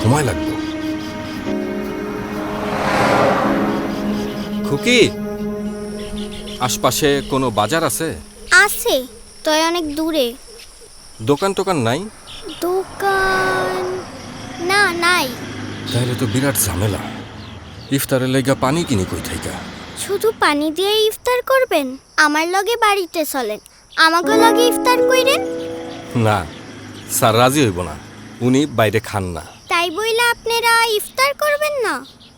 সময় লাগবে। খুকি, আশপাশে কোনো বাজার আছে? আছে, তয় অনেক দূরে। দোকান টোকান নাই? দোকান না, নাই। তাহলে তো বিরাট ঝামেলা। ইফতারের লেগা পানি কিনি কই থাইকা? শুধু পানি দিয়ে ইফতার করবেন? আমার লগে বাড়িতে চলেন, আমাকে লগে ইফতার কইরেন। না, স্যার রাজি হইব না, উনি বাইরে খান না। তাই বইলা আপনারা ইফতার করবেন না?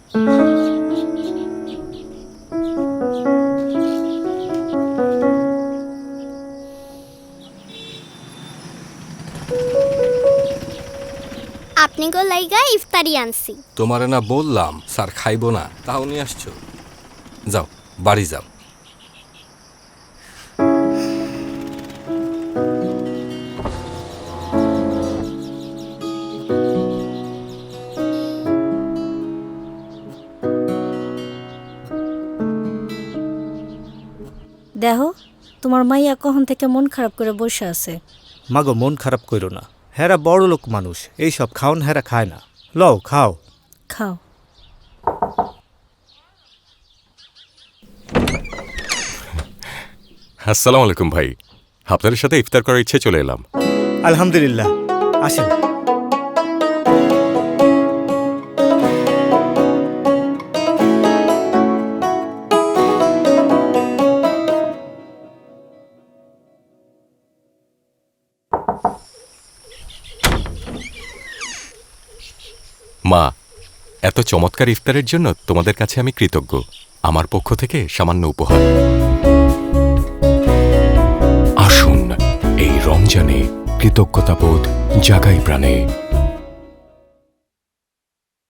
আপনি গো লাইগা ইফতারি আনছি। তোমারে না বললাম স্যার খাইব না, তাও নিয়ে আসছো। যাও, বাড়ি যাও। দেখো, তোমার মাইয়া কখন থেকে মন খারাপ করে বসে আছে। মাগো, মন খারাপ কইরো না, হেরা বড় লোক মানুষ, এইসব খাওন হেরা খায় না। লও খাও। খাও। আসসালামু আলাইকুম ভাই, আপনাদের সাথে ইফতার করার ইচ্ছে চলে এলাম। আলহামদুলিল্লাহ, আসেন। মা, এত চমৎকার ইফতারের জন্য তোমাদের কাছে আমি কৃতজ্ঞ। আমার পক্ষ থেকে সামান্য উপহার। আসুন এই রমজানে কৃতজ্ঞতাবোধ জাগাই প্রাণে।